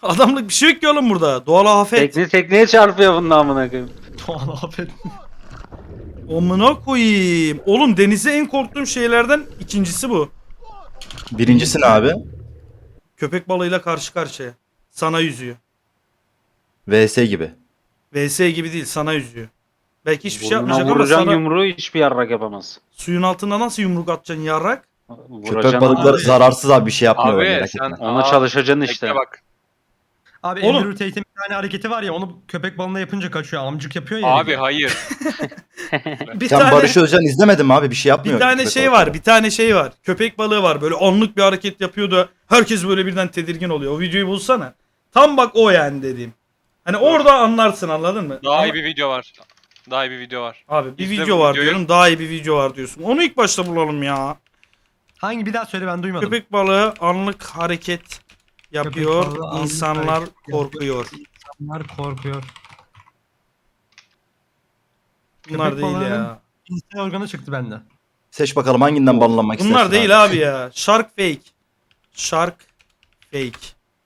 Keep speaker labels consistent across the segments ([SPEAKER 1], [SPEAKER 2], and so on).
[SPEAKER 1] Adamlık bir şey yok ki oğlum burada. Doğal afet.
[SPEAKER 2] Tekneye çarpıyor bunun amına koyayım.
[SPEAKER 3] Doğan afet.
[SPEAKER 1] Amına koyayım. Oğlum denize en korktuğum şeylerden ikincisi bu.
[SPEAKER 4] Birincisi ne abi?
[SPEAKER 1] Köpek balığıyla karşı karşıya. Sana yüzüyor.
[SPEAKER 4] VS gibi.
[SPEAKER 1] VS gibi değil, sana yüzüyor. Belki hiçbir şey
[SPEAKER 2] Burnuna
[SPEAKER 1] yapmayacak ama
[SPEAKER 2] vuracaksın
[SPEAKER 1] sana
[SPEAKER 2] yumruğu hiçbir yarrak yapamaz.
[SPEAKER 1] suyun altında nasıl yumruk atacaksın yarrak?
[SPEAKER 4] Köpek
[SPEAKER 2] Vuracaksın
[SPEAKER 4] balıkları
[SPEAKER 3] abi.
[SPEAKER 4] zararsız abi, bir şey yapmıyor.
[SPEAKER 5] Abi
[SPEAKER 4] merak
[SPEAKER 5] sen
[SPEAKER 4] etme.
[SPEAKER 2] ona çalışacaksın
[SPEAKER 5] bekle
[SPEAKER 2] işte.
[SPEAKER 5] bak.
[SPEAKER 3] Abi
[SPEAKER 1] Oğlum.
[SPEAKER 3] Andrew Tate'in bir tane hareketi var ya, onu köpek balığına yapınca kaçıyor. Amcık yapıyor ya.
[SPEAKER 5] Abi hayır.
[SPEAKER 1] Bir
[SPEAKER 4] Sen
[SPEAKER 1] tane
[SPEAKER 4] Barış Özcan izlemedin mi abi? Bir şey yapmıyor.
[SPEAKER 1] bir tane
[SPEAKER 4] köpek
[SPEAKER 1] şey
[SPEAKER 4] balıkları.
[SPEAKER 1] var, bir tane şey var. Köpek balığı var, böyle anlık bir hareket yapıyor da herkes böyle birden tedirgin oluyor. O videoyu bulsana. Tam bak o yani dediğim. Hani orada anlarsın, anladın mı?
[SPEAKER 5] Daha
[SPEAKER 1] Ama-
[SPEAKER 5] iyi bir video var. Daha iyi bir video var.
[SPEAKER 1] Abi bir
[SPEAKER 5] İzle
[SPEAKER 1] video
[SPEAKER 5] bu
[SPEAKER 1] var
[SPEAKER 5] videoyu.
[SPEAKER 1] diyorum, daha iyi bir video var diyorsun. Onu ilk başta bulalım ya.
[SPEAKER 3] Hangi, bir daha söyle, ben duymadım.
[SPEAKER 1] Köpek balığı anlık hareket yapıyor,
[SPEAKER 3] Köpek balığı anlık
[SPEAKER 1] insanlar
[SPEAKER 3] hareket
[SPEAKER 1] korkuyor.
[SPEAKER 3] İnsanlar korkuyor.
[SPEAKER 1] Bunlar
[SPEAKER 3] Köpek
[SPEAKER 1] değil
[SPEAKER 3] balığının-
[SPEAKER 1] ya.
[SPEAKER 3] İnsan organı çıktı bende.
[SPEAKER 4] Seç bakalım hanginden banlanmak istersin
[SPEAKER 1] Bunlar
[SPEAKER 4] abi.
[SPEAKER 1] değil abi ya. Shark fake. Shark fake.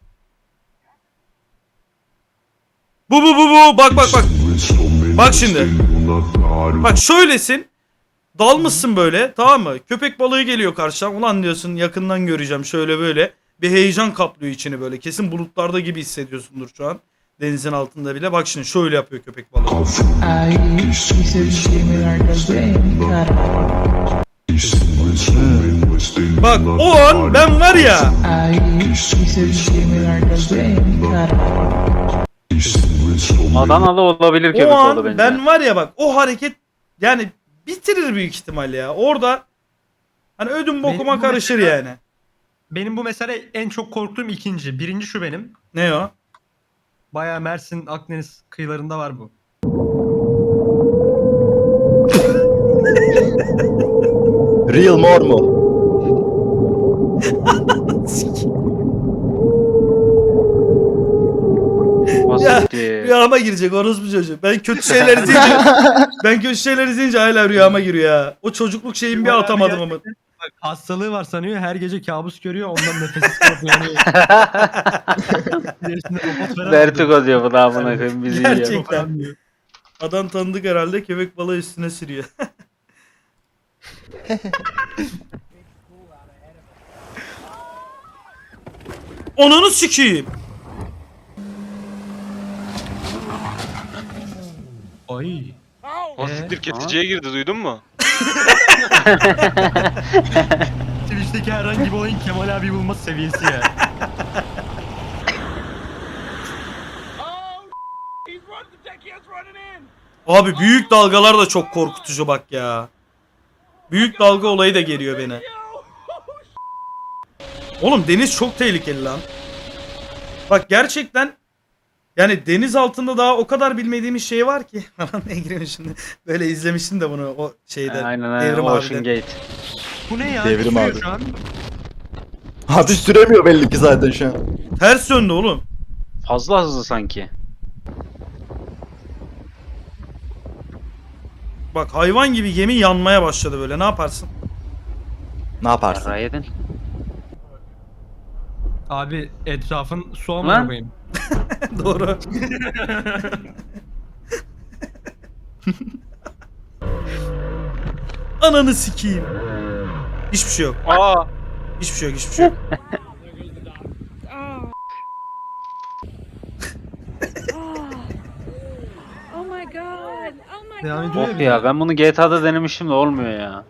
[SPEAKER 1] Bu. Bak. Bak şimdi. Bak şöylesin. Dalmışsın böyle, tamam mı? Köpek balığı geliyor karşıdan. Ulan diyorsun, yakından göreceğim şöyle böyle. Bir heyecan kaplıyor içini böyle. Kesin bulutlarda gibi hissediyorsundur şu an. Denizin altında bile. Bak şimdi şöyle yapıyor köpek balığı. Bak o an ben var ya.
[SPEAKER 2] Adanalı olabilir köpek
[SPEAKER 1] O
[SPEAKER 2] balığı
[SPEAKER 1] an
[SPEAKER 2] bence.
[SPEAKER 1] ben var ya, bak o hareket yani bitirir büyük ihtimal ya. Orada hani ödüm bokuma
[SPEAKER 3] Benim bu
[SPEAKER 1] karışır
[SPEAKER 3] mesela-
[SPEAKER 1] yani.
[SPEAKER 3] Benim bu mesele en çok korktuğum ikinci. Birinci şu benim.
[SPEAKER 1] Ne o?
[SPEAKER 3] Bayağı Mersin, Akdeniz kıyılarında var bu.
[SPEAKER 4] Real more mu?
[SPEAKER 2] Basit.
[SPEAKER 1] Rüyama girecek orospu çocuğu. Ben kötü şeyler izleyince hala rüyama giriyor ya. O çocukluk şeyimi bir
[SPEAKER 3] Bayağı
[SPEAKER 1] atamadım ama.
[SPEAKER 3] gerçekten bak, hastalığı var sanıyor. Her gece kabus görüyor. Ondan nefessiz kalıp yanıyor. İlerisinde robot falan
[SPEAKER 2] Vertigo diyor bu da amına koyayım bizi yiyor.
[SPEAKER 1] Gerçekten. Adam tanıdık herhalde, köpek balığı üstüne sürüyor. Onunu sikeyim.
[SPEAKER 3] Ay.
[SPEAKER 5] O siktir kesiciye girdi, duydun mu?
[SPEAKER 3] Twitch'teki herhangi bir olayın Kemal abi bulması seviyesi ya.
[SPEAKER 1] Abi büyük dalgalar da çok korkutucu bak ya. Büyük dalga olayı da geliyor beni. Oğlum deniz çok tehlikeli lan. Bak gerçekten yani deniz altında daha o kadar bilmediğimiz şey var ki. Ne gireyim şimdi. Böyle izlemiştim de bunu o şeyde.
[SPEAKER 2] Aynen
[SPEAKER 1] Devrim
[SPEAKER 2] Ocean
[SPEAKER 1] abide.
[SPEAKER 2] Gate.
[SPEAKER 3] Bu ne ya?
[SPEAKER 4] Devrim
[SPEAKER 3] Küsüyor
[SPEAKER 4] abi.
[SPEAKER 3] şu an.
[SPEAKER 4] Abi süremiyor belli ki zaten şu an.
[SPEAKER 1] Ters döndü oğlum.
[SPEAKER 2] Fazla hızlı sanki.
[SPEAKER 1] Bak hayvan gibi gemi yanmaya başladı böyle. Ne yaparsın?
[SPEAKER 4] Ne yaparsın?
[SPEAKER 2] Yarrağı yedin.
[SPEAKER 3] Abi etrafın su
[SPEAKER 2] Lan.
[SPEAKER 3] amına koyayım.
[SPEAKER 1] Doğru. Ananı sikeyim. Hiçbir şey yok.
[SPEAKER 5] Aa!
[SPEAKER 1] Hiçbir şey yok. Hiçbir şey yok.
[SPEAKER 6] Oh my god. Oh my
[SPEAKER 3] Devam
[SPEAKER 6] god.
[SPEAKER 3] ediyor
[SPEAKER 2] Of
[SPEAKER 3] ya.
[SPEAKER 2] ya ben bunu GTA'da denemiştim de olmuyor ya.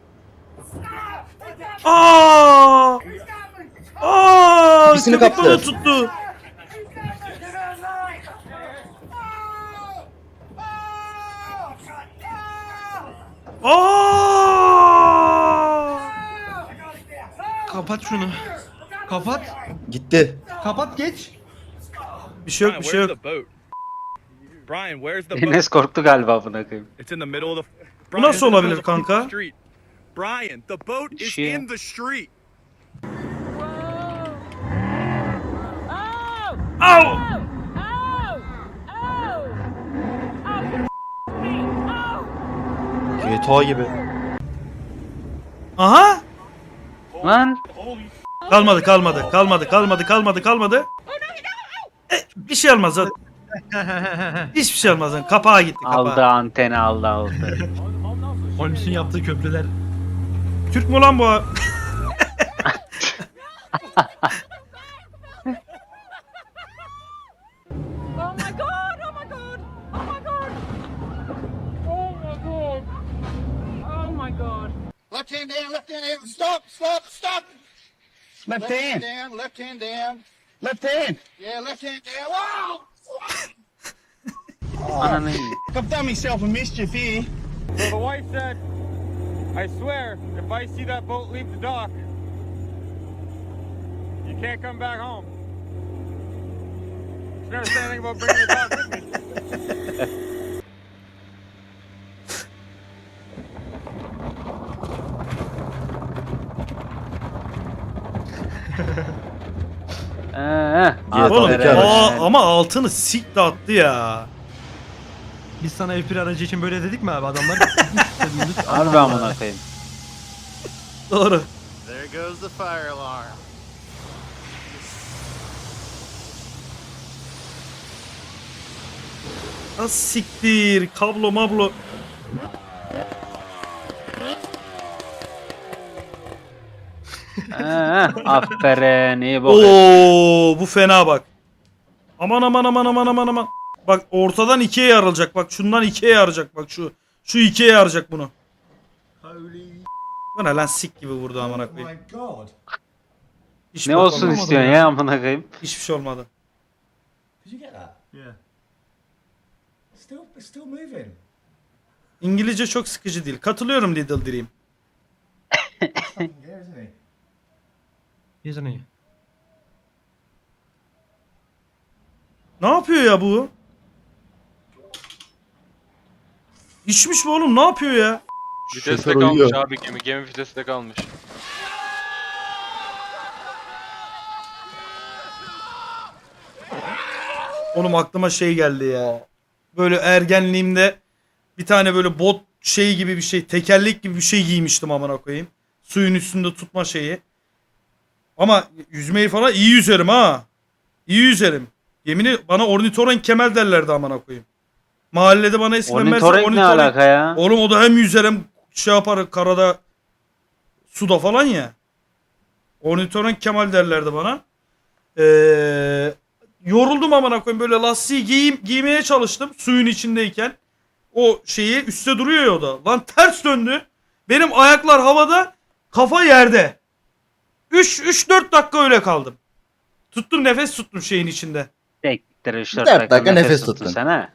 [SPEAKER 1] Aa! Aa!
[SPEAKER 4] İkisini
[SPEAKER 1] Köpek
[SPEAKER 4] kaptı.
[SPEAKER 1] balığı tuttu. Aa!
[SPEAKER 3] Kapat şunu. Kapat.
[SPEAKER 4] Gitti.
[SPEAKER 3] Kapat geç.
[SPEAKER 1] Bir şey yok, bir şey yok.
[SPEAKER 7] Brian, where's the boat?
[SPEAKER 2] Enes korktu galiba buna koyayım.
[SPEAKER 7] It's in the middle of the.
[SPEAKER 1] Bu nasıl
[SPEAKER 7] it's in the
[SPEAKER 1] olabilir
[SPEAKER 7] middle of the
[SPEAKER 1] kanka?
[SPEAKER 7] street. Brian, the boat is
[SPEAKER 2] Shit.
[SPEAKER 7] in the street.
[SPEAKER 1] Au!
[SPEAKER 6] Oh! Oh!
[SPEAKER 4] GTA gibi.
[SPEAKER 1] Aha!
[SPEAKER 2] Lan
[SPEAKER 1] Kalmadı. Bir şey olmaz. Hiçbir şey olmaz. Kapağa gitti kapağa.
[SPEAKER 2] Aldı anteni aldı.
[SPEAKER 3] Holmes'un yaptığı köprüler.
[SPEAKER 1] Türk mü lan bu?
[SPEAKER 6] Oh my god! Oh my god! Oh my god! Oh my god! Oh my god!
[SPEAKER 8] Left hand down, left hand down. Stop, stop, stop. Left hand down, left hand down. Left hand. Yeah, left hand down. Wow!
[SPEAKER 2] Ananı iyi.
[SPEAKER 7] I've done myself a mischief here.
[SPEAKER 9] So the wife said, I swear, if I see that boat leave the dock, you can't come back home. She never said anything about bringing the dog with me.
[SPEAKER 1] Oğlum
[SPEAKER 4] Yeter.
[SPEAKER 1] ama altını sik de attı ya.
[SPEAKER 3] Biz sana F1 aracı için böyle dedik mi abi adamlar?
[SPEAKER 2] Harbi amına koyayım.
[SPEAKER 1] Doğru.
[SPEAKER 8] There goes the fire alarm.
[SPEAKER 1] Az siktir. Kablo mablo.
[SPEAKER 2] Aferin iyi bok.
[SPEAKER 1] Oo, bu fena bak. Aman aman aman aman aman aman. Bak ortadan ikiye yarılacak. Bak şundan ikiye yarılacak. Bak şu ikiye yarılacak bunu. Bu ne lan sik gibi vurdu amına koyayım. Hiç
[SPEAKER 2] Ne
[SPEAKER 1] bok
[SPEAKER 2] olsun
[SPEAKER 1] olmadı.
[SPEAKER 2] istiyorsun ya amına koyayım?
[SPEAKER 1] Hiçbir şey olmadı.
[SPEAKER 3] Yeah.
[SPEAKER 10] Still moving.
[SPEAKER 1] İngilizce çok sıkıcı değil. Katılıyorum Little Dream.
[SPEAKER 10] Here, isn't he?
[SPEAKER 3] Isn't he?
[SPEAKER 1] Ne yapıyor ya bu? İçmiş mi oğlum? Ne yapıyor ya?
[SPEAKER 5] Viteste
[SPEAKER 4] Şoför
[SPEAKER 5] kalmış
[SPEAKER 4] uyuyor.
[SPEAKER 5] abi gemi viteste kalmış.
[SPEAKER 1] Oğlum aklıma şey geldi ya. Böyle ergenliğimde bir tane böyle bot şey gibi bir şey, tekerlek gibi bir şey giymiştim amına koyayım. Suyun üstünde tutma şeyi. Ama yüzmeyi falan iyi yüzerim ha. İyi yüzerim. Yemini bana ornitorenk kemer derlerdi amına koyayım. Mahallede bana eskiden
[SPEAKER 2] Ornitorenk ne alaka ya?
[SPEAKER 1] Oğlum o da hem yüzer hem şey yapar karada suda falan ya. Ornitorenk Kemal derlerdi bana. Yoruldum amına koyayım böyle lastiği giymeye çalıştım suyun içindeyken. O şeyi üstte duruyor ya o da. Lan ters döndü. Benim ayaklar havada, kafa yerde. 3-4 dakika öyle kaldım. Tuttum nefes tuttum şeyin içinde.
[SPEAKER 2] Tektir 3-4
[SPEAKER 4] 4
[SPEAKER 2] dakika
[SPEAKER 4] dakika
[SPEAKER 2] nefes
[SPEAKER 4] nefes
[SPEAKER 2] tuttun
[SPEAKER 4] tuttun.
[SPEAKER 2] sen ha.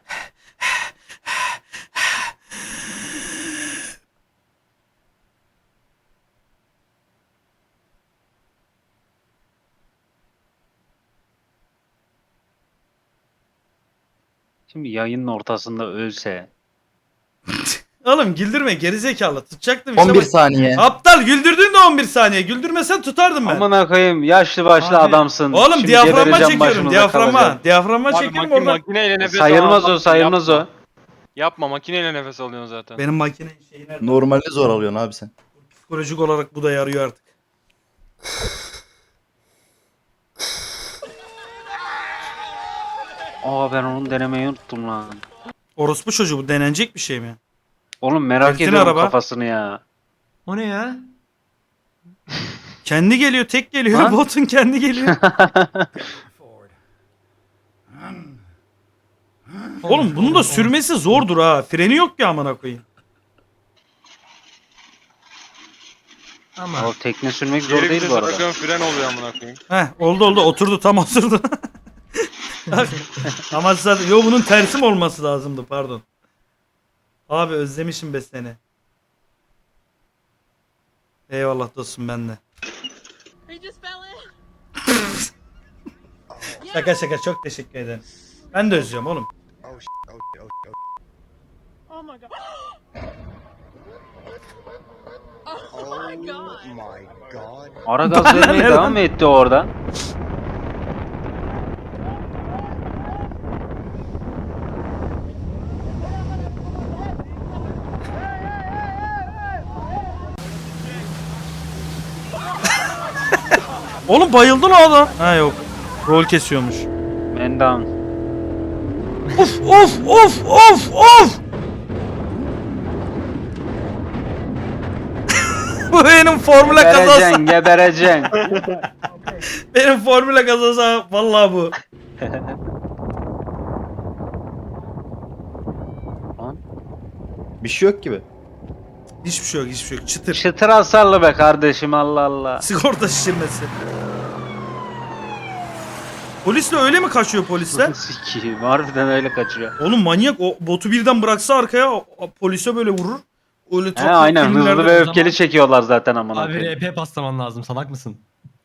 [SPEAKER 2] Şimdi yayının ortasında ölse.
[SPEAKER 1] Oğlum güldürme gerizekalı. Tutacaktım işte.
[SPEAKER 4] 11
[SPEAKER 1] bak.
[SPEAKER 4] saniye.
[SPEAKER 1] Aptal güldürdün de 11 saniye. Güldürmesen tutardım ben.
[SPEAKER 2] Amına koyayım yaşlı başlı
[SPEAKER 3] Abi,
[SPEAKER 2] adamsın.
[SPEAKER 1] Oğlum
[SPEAKER 2] Şimdi
[SPEAKER 1] diyaframma
[SPEAKER 2] gebereceğim,
[SPEAKER 1] çekiyorum.
[SPEAKER 2] başımıza
[SPEAKER 1] Diyaframma.
[SPEAKER 2] kalacağım.
[SPEAKER 1] Diyaframma
[SPEAKER 5] Abi
[SPEAKER 1] çekiyorum oradan.
[SPEAKER 5] makineyle nefes
[SPEAKER 2] Sayılmaz
[SPEAKER 5] al.
[SPEAKER 2] o sayılmaz
[SPEAKER 5] Yapma.
[SPEAKER 2] o.
[SPEAKER 5] Yapma makineyle nefes alıyorsun zaten.
[SPEAKER 1] Benim makine şeyi nerede?
[SPEAKER 4] Normalde zor alıyorsun abi sen.
[SPEAKER 1] Psikolojik olarak bu da yarıyor artık.
[SPEAKER 2] Aa ben onu denemeyi unuttum lan.
[SPEAKER 1] Orospu çocuğu bu denenecek bir şey mi?
[SPEAKER 2] Oğlum merak
[SPEAKER 1] Erkin
[SPEAKER 2] ediyorum
[SPEAKER 1] araba.
[SPEAKER 2] kafasını ya.
[SPEAKER 3] O ne ya?
[SPEAKER 1] Kendi geliyor, tek geliyor.
[SPEAKER 2] Ha?
[SPEAKER 1] Botun kendi geliyor. Oğlum bunun da sürmesi zordur ha. Freni yok ya amına koyayım.
[SPEAKER 3] Ama
[SPEAKER 2] O tekne sürmek zor
[SPEAKER 5] Geri
[SPEAKER 2] değil
[SPEAKER 5] bir
[SPEAKER 2] bu arada.
[SPEAKER 5] bırakıyorum fren oluyor amına koyayım.
[SPEAKER 1] Heh oldu oturdu tam oturdu. Ama zaten yo bunun tersi mi olması lazımdı pardon. Abi özlemişim be seni. Eyvallah dostum ben de.
[SPEAKER 6] He just fell in.
[SPEAKER 1] Şaka şaka çok teşekkür ederim. Ben de özlüyorum oğlum.
[SPEAKER 6] Oh my god. Oh my god.
[SPEAKER 2] Ara gaz vermeye
[SPEAKER 1] Ne
[SPEAKER 2] devam
[SPEAKER 1] lan?
[SPEAKER 2] mı etti orada?
[SPEAKER 1] Oğlum bayıldın o adam. Ha yok. Rol kesiyormuş.
[SPEAKER 2] Man down.
[SPEAKER 1] Of of of of of. Bu benim formüle kazası.
[SPEAKER 2] Gebereceksin, gebereceksin.
[SPEAKER 1] Benim formüle kazası vallahi bu.
[SPEAKER 4] Bir şey yok gibi.
[SPEAKER 1] Hiçbir şey yok, hiçbir şey yok. Çıtır.
[SPEAKER 2] Çıtır hasarlı be kardeşim, Allah Allah.
[SPEAKER 1] Sigorta şişirmesi. Polisle öyle mi kaçıyor polisler?
[SPEAKER 2] Sikiyim, harbiden öyle kaçıyor.
[SPEAKER 1] Oğlum manyak, o botu birden bıraksa arkaya polise böyle vurur. Öyle
[SPEAKER 2] He
[SPEAKER 1] tatlı
[SPEAKER 2] aynen, hızlı
[SPEAKER 1] filmlerde-
[SPEAKER 2] ve öfkeli çekiyorlar zaten amına
[SPEAKER 3] Abi
[SPEAKER 2] koyayım.
[SPEAKER 3] RP paslaman lazım, salak mısın?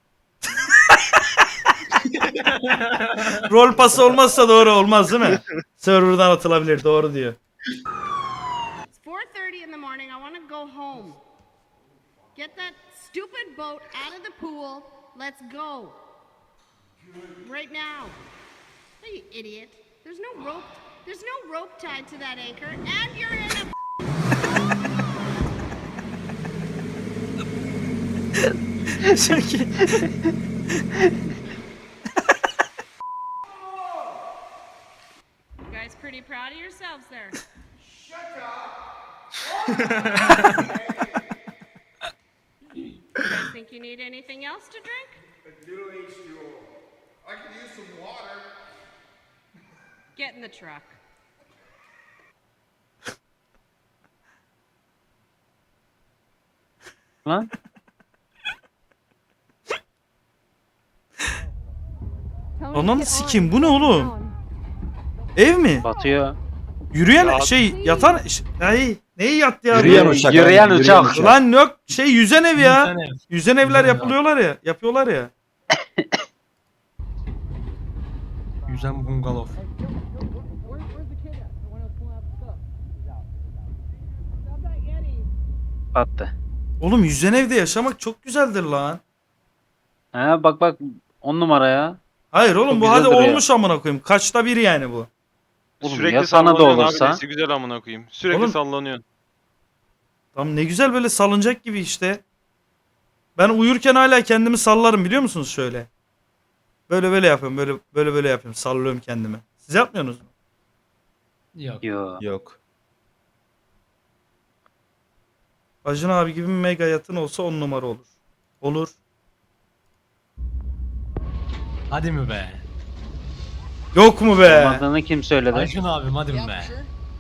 [SPEAKER 1] Rol pası olmazsa doğru olmaz değil mi? Server'dan atılabilir, doğru diyor.
[SPEAKER 6] It's 4:30 in the morning. I want to go home. Get that stupid boat out of the pool. Let's go. Right now. Hey, you idiot. There's no rope. There's no rope tied to that anchor, and you're in a You guys pretty proud of yourselves there. You guys think you need anything else to drink?
[SPEAKER 8] I could use some water.
[SPEAKER 6] Get in the truck.
[SPEAKER 2] Lan
[SPEAKER 1] Ananı sikeyim, bu ne oğlum? Ev mi?
[SPEAKER 2] batıyor.
[SPEAKER 1] Yürüyen
[SPEAKER 5] Yat.
[SPEAKER 1] şey, yatan... Ay, neyi yattı ya?
[SPEAKER 4] Yürüyen uçak.
[SPEAKER 2] Yürüyen
[SPEAKER 4] abi,
[SPEAKER 2] uçak.
[SPEAKER 1] Lan yok, şey yüzen ev ya.
[SPEAKER 3] Yüzen ev.
[SPEAKER 1] Yüzen evler
[SPEAKER 3] Yüzen ev.
[SPEAKER 1] yapılıyorlar ya. Yapıyorlar ya.
[SPEAKER 3] Yüzen bungalov.
[SPEAKER 2] Battı.
[SPEAKER 1] Oğlum yüzen evde yaşamak çok güzeldir lan.
[SPEAKER 2] He bak bak, 10 numara ya.
[SPEAKER 1] Hayır oğlum,
[SPEAKER 2] Çok
[SPEAKER 1] bu hadi
[SPEAKER 2] güzeldir ya.
[SPEAKER 1] olmuş amına koyayım. Kaçta bir yani bu.
[SPEAKER 2] Oğlum
[SPEAKER 5] Sürekli
[SPEAKER 2] ya sana da
[SPEAKER 5] sallanıyorsun
[SPEAKER 2] olursa.
[SPEAKER 5] Abi, nesi güzel amına koyayım. Sürekli
[SPEAKER 1] Oğlum-
[SPEAKER 5] sallanıyorsun.
[SPEAKER 1] Tam ne güzel böyle salıncak gibi işte. Ben uyurken hala kendimi sallarım, biliyor musunuz şöyle. Böyle böyle yapıyorum, böyle yapıyorum, sallıyorum kendimi. Siz yapmıyorsunuz mu?
[SPEAKER 3] Yok.
[SPEAKER 2] Yo.
[SPEAKER 4] Yok.
[SPEAKER 1] Acun abi gibi bir mega yatın olsa 10 numara olur. Olur.
[SPEAKER 3] Hadi mi be?
[SPEAKER 1] Yok mu be?
[SPEAKER 2] Olmadığını kim söyledi?
[SPEAKER 3] Ayşun abim hadi mi be?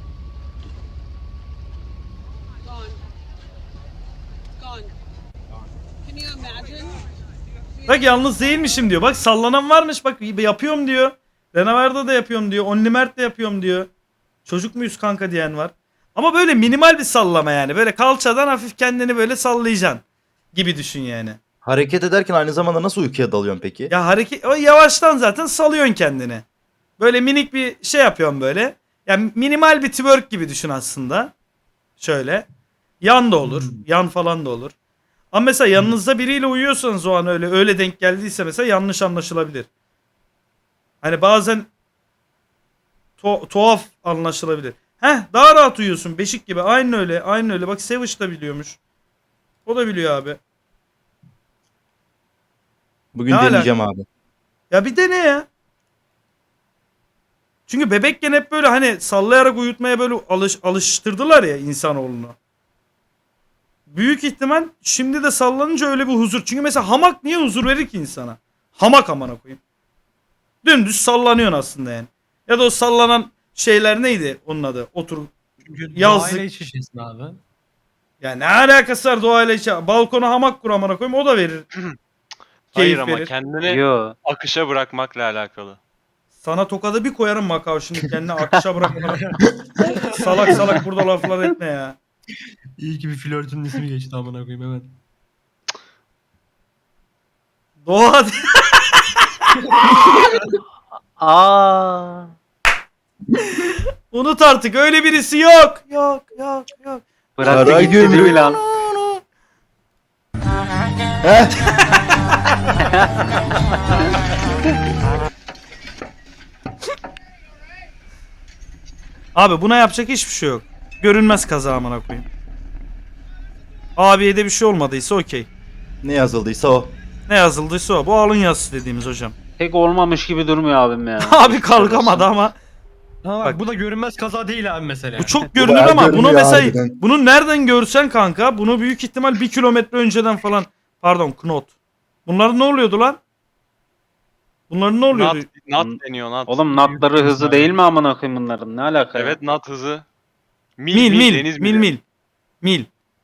[SPEAKER 1] Bak yalnız değilmişim diyor. Bak sallanan varmış, bak yapıyorum diyor. Renaver'da da yapıyorum diyor. Onlimert de yapıyorum diyor. Çocuk muyuz kanka diyen var. Ama böyle minimal bir sallama yani. Böyle kalçadan hafif kendini böyle sallayacaksın. Gibi düşün yani.
[SPEAKER 4] Hareket ederken aynı zamanda nasıl uykuya dalıyorsun peki?
[SPEAKER 1] Ya hareket, o yavaştan zaten salıyorsun kendini. Böyle minik bir şey yapıyorsun böyle. Yani minimal bir twerk gibi düşün aslında. Şöyle. Yan da olur. Yan falan da olur. Ama mesela yanınızda biriyle uyuyorsanız o an öyle denk geldiyse mesela yanlış anlaşılabilir. Hani bazen tuhaf anlaşılabilir. Daha rahat uyuyorsun beşik gibi. Aynı öyle. Aynı öyle. Bak Savage da biliyormuş. O da biliyor abi.
[SPEAKER 4] Bugün
[SPEAKER 1] Ne
[SPEAKER 4] deneyeceğim abi.
[SPEAKER 1] Ya bir dene ya. Çünkü bebekken hep böyle hani sallayarak uyutmaya böyle alıştırdılar ya insanoğlunu. Büyük ihtimal şimdi de sallanınca öyle bir huzur. Çünkü mesela hamak niye huzur verir ki insana? Hamak amına koyayım. Dümdüz sallanıyorsun aslında yani. Ya da o sallanan şeyler neydi onun adı? Otur.
[SPEAKER 3] Çünkü
[SPEAKER 1] Yazlık.
[SPEAKER 3] doğayla iç içesin abi.
[SPEAKER 1] Ya ne alakası var doğayla içe? Balkona hamak kur amına koyayım, o da verir.
[SPEAKER 5] Hayır
[SPEAKER 1] Keyif
[SPEAKER 5] ama
[SPEAKER 1] verir.
[SPEAKER 5] kendini
[SPEAKER 2] Yo.
[SPEAKER 5] akışa bırakmakla alakalı.
[SPEAKER 1] Sana tokadı bir koyarım Makao şimdi, kendini akışa bırakma. Salak salak burada laflar etme ya.
[SPEAKER 3] İyi ki bir flörtünün ismi geçti amına koyayım hemen.
[SPEAKER 1] Doğa
[SPEAKER 2] Aa.
[SPEAKER 1] unut artık, öyle birisi yok. Yok.
[SPEAKER 2] Bırak
[SPEAKER 4] Kara
[SPEAKER 2] gitti
[SPEAKER 4] gümrük.
[SPEAKER 2] değil mi lan?
[SPEAKER 1] Abi buna yapacak hiçbir şey yok. Görünmez kaza amına koyayım. Abiye de bir şey olmadıysa okey.
[SPEAKER 4] Ne yazıldıysa o.
[SPEAKER 1] Ne yazıldıysa o. Bu alın yazısı dediğimiz hocam.
[SPEAKER 2] Pek olmamış gibi durmuyor abim ya.
[SPEAKER 1] Abi kalkamadı ama.
[SPEAKER 3] Ama bak,
[SPEAKER 1] Bak.
[SPEAKER 3] bu da görünmez kaza değil abi mesela.
[SPEAKER 1] Bu çok görünür
[SPEAKER 4] bayağı
[SPEAKER 1] ama bunu
[SPEAKER 4] görünüyor
[SPEAKER 1] mesela
[SPEAKER 4] harbiden.
[SPEAKER 1] bunu nereden görsen kanka bunu büyük ihtimal 1 kilometre önceden falan pardon knot. Bunlar ne oluyordu lan? Bunların ne oluyordu?
[SPEAKER 5] Nat deniyor nat.
[SPEAKER 2] Oğlum natları hızı değil mi amına koyayım bunların? Ne alaka ya?
[SPEAKER 5] Evet nat hızı.
[SPEAKER 1] Mil
[SPEAKER 5] deniz
[SPEAKER 1] mil
[SPEAKER 5] mili.
[SPEAKER 1] mil.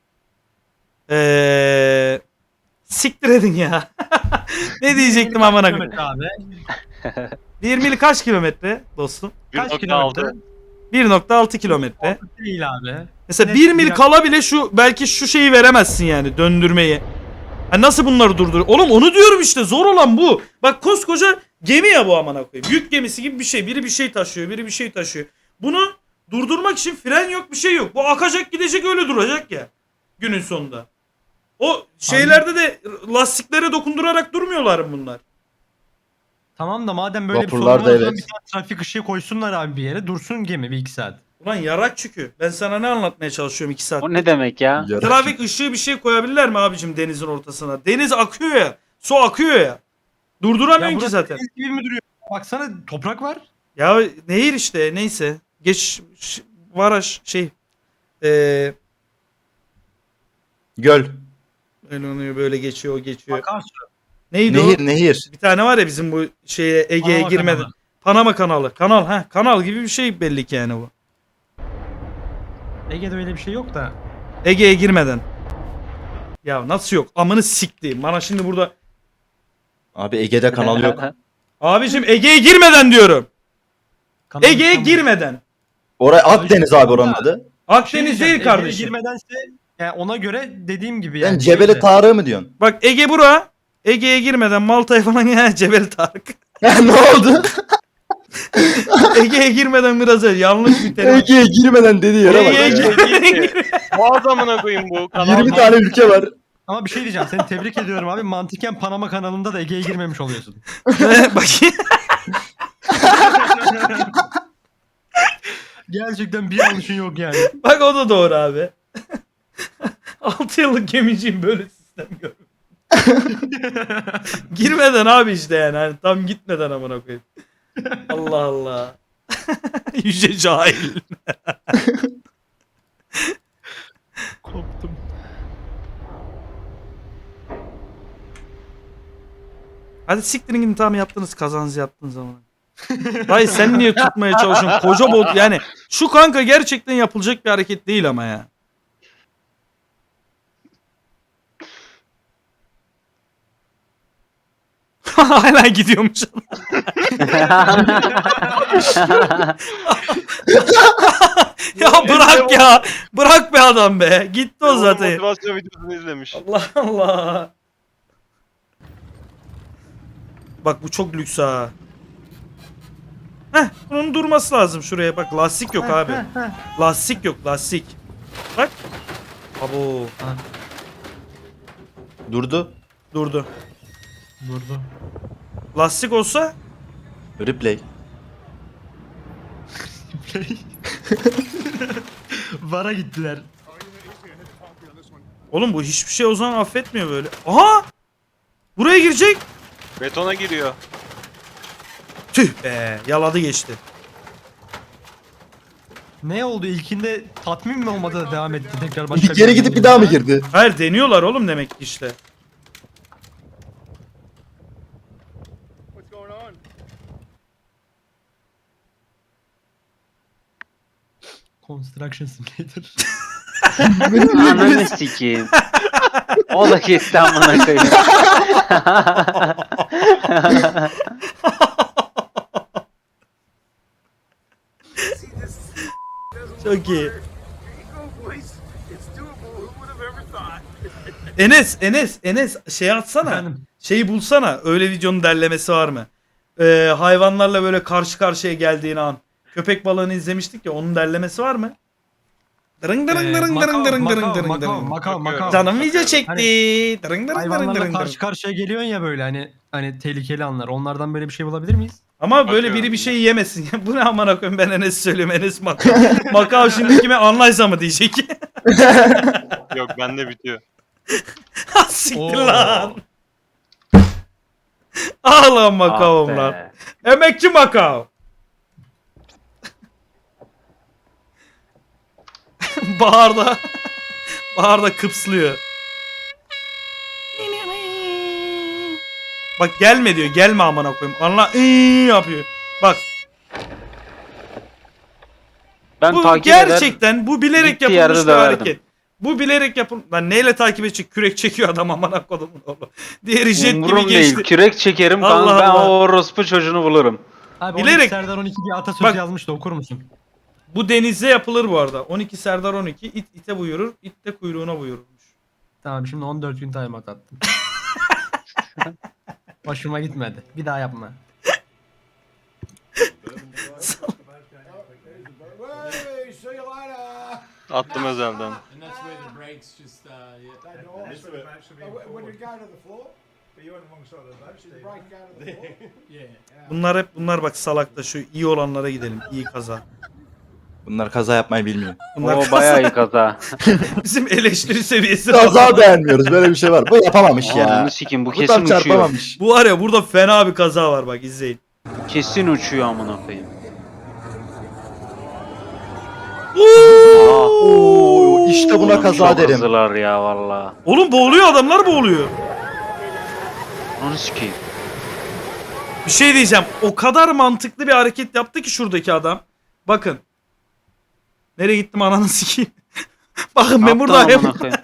[SPEAKER 1] Siktir edin ya. Ne diyecektim amına koyayım?
[SPEAKER 3] Abi.
[SPEAKER 1] 1 mil kaç kilometre dostum?
[SPEAKER 3] Kaç
[SPEAKER 5] 1.6.
[SPEAKER 3] kilometre?
[SPEAKER 1] 1.6 kilometre.
[SPEAKER 3] Değil abi.
[SPEAKER 1] Mesela
[SPEAKER 3] Net
[SPEAKER 1] 1 mil
[SPEAKER 3] bir-
[SPEAKER 1] kala bile şu belki şu şeyi veremezsin yani döndürmeyi. Ha nasıl bunları durdur? Oğlum onu diyorum işte zor olan bu. Bak koskoca gemi ya bu amına koyayım. Yük gemisi gibi bir şey. Biri bir şey taşıyor, biri bir şey taşıyor. Bunu durdurmak için fren yok, bir şey yok. Bu akacak, gidecek, öyle duracak ya günün sonunda. O şeylerde de lastiklere dokundurarak durmuyorlar mı bunlar?
[SPEAKER 3] Tamam da madem böyle bir sorun
[SPEAKER 4] Vapurlarda
[SPEAKER 3] var o zaman
[SPEAKER 4] evet.
[SPEAKER 3] bir tane trafik ışığı koysunlar abi bir yere. Dursun gemi bir 2 saat.
[SPEAKER 1] Ulan yarak çünkü. Ben sana ne anlatmaya çalışıyorum 2 saat.
[SPEAKER 2] O ne demek ya?
[SPEAKER 4] Yarak.
[SPEAKER 1] Trafik ışığı bir şey koyabilirler mi abicim denizin ortasına? Deniz akıyor ya. Su akıyor ya. Durduramıyorsun ki
[SPEAKER 3] burası
[SPEAKER 1] zaten.
[SPEAKER 3] deniz gibi mi duruyor? Baksana toprak var.
[SPEAKER 1] Ya nehir işte neyse. Geç Varaş şey.
[SPEAKER 4] Göl.
[SPEAKER 1] Öyle oluyor böyle geçiyor o geçiyor.
[SPEAKER 3] Akarsu.
[SPEAKER 1] Neydi
[SPEAKER 4] Nehir
[SPEAKER 1] o?
[SPEAKER 4] nehir.
[SPEAKER 1] Bir tane var ya bizim bu şeye Ege'ye
[SPEAKER 3] Panama
[SPEAKER 1] girmeden.
[SPEAKER 3] kanalı.
[SPEAKER 1] Panama kanalı. Kanal gibi bir şey belli ki yani bu.
[SPEAKER 3] Ege'de öyle bir şey yok da.
[SPEAKER 1] Ege'ye girmeden. Ya nasıl yok? Amını siktiğim. Bana şimdi burada.
[SPEAKER 4] Abi Ege'de kanal yok.
[SPEAKER 1] Abicim Ege'ye girmeden diyorum.
[SPEAKER 3] Kanal
[SPEAKER 1] Ege'ye
[SPEAKER 3] İstanbul.
[SPEAKER 1] girmeden.
[SPEAKER 4] Oraya Akdeniz abi oranın adı.
[SPEAKER 3] Bir şey
[SPEAKER 1] Akdeniz
[SPEAKER 3] diyeceğim,
[SPEAKER 1] değil
[SPEAKER 3] Ege'ye
[SPEAKER 1] kardeşim.
[SPEAKER 3] girmedense yani ona göre dediğim gibi
[SPEAKER 4] Sen
[SPEAKER 3] yani.
[SPEAKER 4] Cebeli
[SPEAKER 3] şeyde-
[SPEAKER 4] Tarık'ı mı diyorsun?
[SPEAKER 1] Bak Ege bura. Ege'ye girmeden Malta'ya falan ya Cebel Tarık.
[SPEAKER 4] ne oldu?
[SPEAKER 1] Ege'ye girmeden biraz öyle yanlış bir terim.
[SPEAKER 4] Ege'ye girmeden dediği yere bak.
[SPEAKER 1] Ege'ye
[SPEAKER 4] ya.
[SPEAKER 1] girmeden.
[SPEAKER 5] Boğaz amına koyayım bu. Kanal
[SPEAKER 4] 20 tane ülke var.
[SPEAKER 3] Ama bir şey diyeceğim. Seni tebrik ediyorum abi. Mantıken Panama kanalında da Ege'ye girmemiş oluyorsun.
[SPEAKER 1] Bakayım.
[SPEAKER 3] Gerçekten bir yanlışın yok yani.
[SPEAKER 1] Bak o da doğru abi. 6 yıllık gemiciyim böyle sistem görmedim. Girmeden abi işte yani. Hani tam gitmeden amına koyayım. Allah Allah. Yüce cahil.
[SPEAKER 3] Koptum.
[SPEAKER 1] Hadi siktirin gidin tamam yaptınız kazanızı yaptığınız zaman. Dayı sen niye tutmaya çalışıyorsun? Koca bot yani. Şu kanka gerçekten yapılacak bir hareket değil ama ya. Hala gidiyormuş. Ya bırak ya. Bırak be adam be. Gitti o zaten.
[SPEAKER 5] Motivasyon videosunu izlemiş.
[SPEAKER 1] Allah Allah. Bak bu çok lüks ha. Heh bunun durması lazım şuraya bak lastik yok abi. Lastik yok lastik. Bak. Abo
[SPEAKER 4] Durdu.
[SPEAKER 1] durdu.
[SPEAKER 3] Durdu.
[SPEAKER 1] Lastik olsa
[SPEAKER 4] Replay.
[SPEAKER 3] Vara gittiler.
[SPEAKER 1] oğlum bu hiçbir şey o zaman affetmiyor böyle. Aha! Buraya girecek.
[SPEAKER 5] Betona giriyor.
[SPEAKER 1] Tüh be yaladı geçti.
[SPEAKER 3] Ne oldu? İlkinde tatmin mi olmadı da devam etti tekrar başka
[SPEAKER 4] Geri gidip bir daha mı girdi?
[SPEAKER 1] Hayır deniyorlar oğlum demek ki işte.
[SPEAKER 8] What's going on?
[SPEAKER 3] Construction Simulator.
[SPEAKER 2] Ananı sikeyim. O da kesti amına koyayım.
[SPEAKER 1] Çok iyi. Enes şey atsana.
[SPEAKER 3] Efendim?
[SPEAKER 1] Şeyi bulsana. Öyle videonun derlemesi var mı? Hayvanlarla böyle karşı karşıya geldiğin an. Köpek balığını izlemiştik ya onun derlemesi var mı? Dırın dırın dırın dırın dırın dırın dırın dırın.
[SPEAKER 3] Makao.
[SPEAKER 1] Canım video çekti.
[SPEAKER 3] Hani
[SPEAKER 1] Dırın dırın dırın
[SPEAKER 3] hayvanlarla
[SPEAKER 1] dırın
[SPEAKER 3] karşı
[SPEAKER 1] dırın.
[SPEAKER 3] karşıya geliyorsun ya böyle hani tehlikeli anlar. Onlardan böyle bir şey bulabilir miyiz?
[SPEAKER 1] Ama böyle
[SPEAKER 5] Bakıyorum.
[SPEAKER 1] biri bir şey yemesin. Bu ne amına koyayım ben Enes söylüyorum. Enes Makao. Makao şimdi kime anlaysa mı diyecek.
[SPEAKER 5] Yok bende bitiyor.
[SPEAKER 1] Siktir
[SPEAKER 3] Oo.
[SPEAKER 1] lan. Ağlan
[SPEAKER 2] Ah
[SPEAKER 1] Makao'm lan.
[SPEAKER 2] be.
[SPEAKER 1] Emekçi Makao. Baharda kıpslıyor. Bak gelme diyor. Gelme amına koyayım. Anla yapıyor. Bak
[SPEAKER 2] Ben
[SPEAKER 1] bu
[SPEAKER 2] takip
[SPEAKER 1] gerçekten bu bilerek
[SPEAKER 2] gittiği yerde
[SPEAKER 1] yapılmış bir
[SPEAKER 2] döverdim.
[SPEAKER 1] hareket. Bu bilerek Lan neyle takip edecek? Kürek çekiyor adam amına kodumun oğlu. Diğeri jet gibi
[SPEAKER 2] Umurum
[SPEAKER 1] geçti.
[SPEAKER 2] değil. Kürek çekerim
[SPEAKER 1] Allah
[SPEAKER 2] kanka. Ben
[SPEAKER 1] Allah.
[SPEAKER 2] o orospu çocuğunu bulurum.
[SPEAKER 3] Abi
[SPEAKER 1] Bilerek-
[SPEAKER 3] 12 Serdar 12 bir atasözü
[SPEAKER 1] Bak-
[SPEAKER 3] yazmış da okur musun?
[SPEAKER 1] Bu denizde yapılır bu arada. 12 Serdar 12. İt ite buyurur. İt de kuyruğuna buyururmuş.
[SPEAKER 3] Tamam şimdi 14 gün timeout attım. Hoşuma gitmedi. Bir daha yapma.
[SPEAKER 10] Hey, see you later.
[SPEAKER 5] Attım özelden.
[SPEAKER 10] And that's where the brakes just, when you go to the floor, but you're on the wrong side of the boat, the brake go to the floor.
[SPEAKER 1] Bunlar bak salakta şu iyi olanlara gidelim. İyi kaza.
[SPEAKER 4] Bunlar kaza yapmayı bilmiyor.
[SPEAKER 1] Bunlar
[SPEAKER 2] O
[SPEAKER 1] kaza-
[SPEAKER 2] bayağı iyi kaza.
[SPEAKER 1] Bizim eleştiri seviyesi.
[SPEAKER 4] Kaza beğenmiyoruz. Böyle bir şey var. Bu yapamamış ya.
[SPEAKER 2] Ananı sikim bu
[SPEAKER 4] Bu
[SPEAKER 2] kesin
[SPEAKER 4] tam
[SPEAKER 2] uçuyor.
[SPEAKER 4] çarpamamış.
[SPEAKER 1] Bu var ya burada fena bir kaza var bak izleyin.
[SPEAKER 2] Kesin uçuyor amına koyayım.
[SPEAKER 4] Oo, işte buna kaza
[SPEAKER 2] Çok
[SPEAKER 4] derim.
[SPEAKER 2] hızlılar ya valla.
[SPEAKER 1] Oğlum boğuluyor adamlar boğuluyor.
[SPEAKER 2] Onu sikeyim.
[SPEAKER 1] Bir şey diyeceğim. O kadar mantıklı bir hareket yaptı ki şuradaki adam. Bakın. Nereye gittim ananı sikeyim. Bakın ben
[SPEAKER 2] Aptal
[SPEAKER 1] buradayım.
[SPEAKER 2] amına koyayım.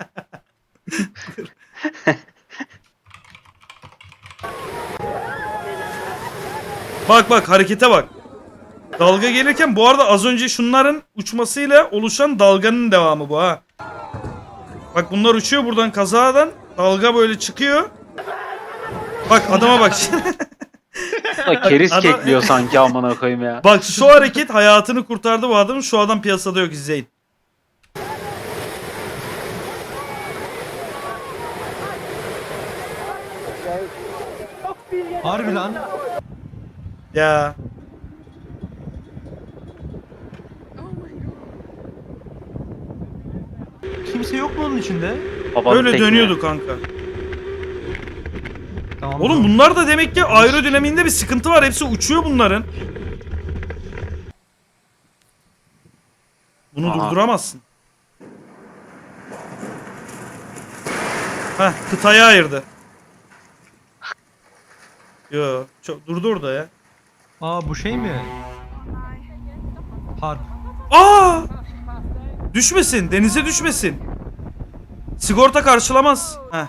[SPEAKER 1] Bak harekete bak. Dalga gelirken bu arada az önce şunların uçmasıyla oluşan dalganın devamı bu ha. Bak bunlar uçuyor buradan kazadan. Dalga böyle çıkıyor. Bak adama bak.
[SPEAKER 2] Keriz
[SPEAKER 1] Adam-
[SPEAKER 2] kekliyor sanki amına koyayım ya.
[SPEAKER 1] Bak şu hareket hayatını kurtardı bu adamın. Şu adam piyasada yok izleyin.
[SPEAKER 3] Harbi lan.
[SPEAKER 1] Ya.
[SPEAKER 3] Kimse yok mu onun içinde?
[SPEAKER 2] Babanın
[SPEAKER 1] Böyle
[SPEAKER 2] tekne.
[SPEAKER 1] dönüyordu kanka.
[SPEAKER 3] Tamam.
[SPEAKER 1] Oğlum bunlar da demek ki aerodinamiğinde bir sıkıntı var. Hepsi uçuyor bunların. Bunu
[SPEAKER 2] Aha.
[SPEAKER 1] durduramazsın. Heh kıtayı ayırdı. Yo çok durdu orada ya.
[SPEAKER 3] Aa bu şey mi? Harp.
[SPEAKER 1] Aa! Düşmesin, denize düşmesin. Sigorta karşılamaz. Heh.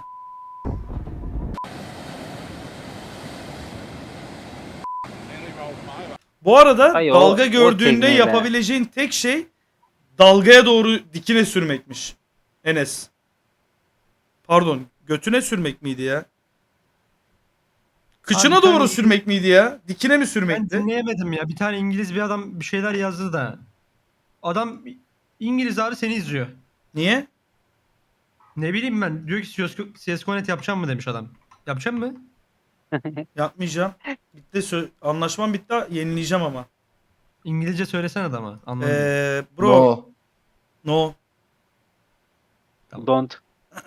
[SPEAKER 1] Bu arada
[SPEAKER 2] Ay,
[SPEAKER 1] dalga
[SPEAKER 2] o
[SPEAKER 1] gördüğünde
[SPEAKER 2] tekneyle.
[SPEAKER 1] yapabileceğin tek şey dalgaya doğru dikine sürmek miş. Enes. Pardon, götüne sürmek miydi ya? Kıçına
[SPEAKER 3] Abi, bir
[SPEAKER 1] doğru
[SPEAKER 3] tane-
[SPEAKER 1] sürmek miydi ya? Dikine mi
[SPEAKER 3] Ben
[SPEAKER 1] sürmekti?
[SPEAKER 3] dinleyemedim ya. Bir tane İngiliz bir adam bir şeyler yazdı da. Adam İngiliz abi seni izliyor.
[SPEAKER 1] Niye?
[SPEAKER 3] Ne bileyim ben. Diyor ki CSGO.net yapacağım mı demiş adam. Yapacağım mı?
[SPEAKER 1] Yapmayacağım. Bitti anlaşmam bitti. Yenileyeceğim ama.
[SPEAKER 3] İngilizce söylesene adama. Anlamadım.
[SPEAKER 1] Bro.
[SPEAKER 4] No.
[SPEAKER 1] No.
[SPEAKER 2] Don't.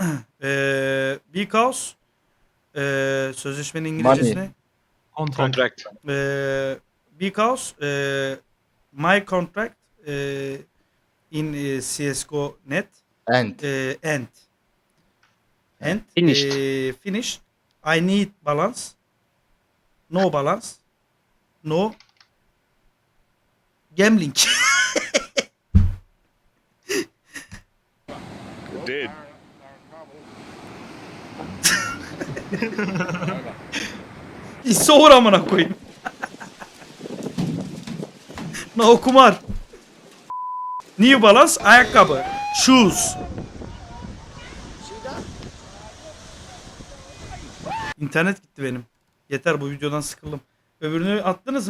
[SPEAKER 1] Because sözleşmenin İngilizcesi
[SPEAKER 4] Money.
[SPEAKER 1] ne?
[SPEAKER 3] Contract.
[SPEAKER 5] Contract.
[SPEAKER 1] Because my contract in CSGO.net
[SPEAKER 4] And.
[SPEAKER 1] and
[SPEAKER 2] Finished.
[SPEAKER 1] finished. I need balance. No balance. No gambling.
[SPEAKER 5] Dead.
[SPEAKER 1] İsoğur amına koyayım. No kumar. New Balance ayakkabı. Shoes. İnternet gitti benim. Yeter bu videodan sıkıldım. Öbürünü attınız mı?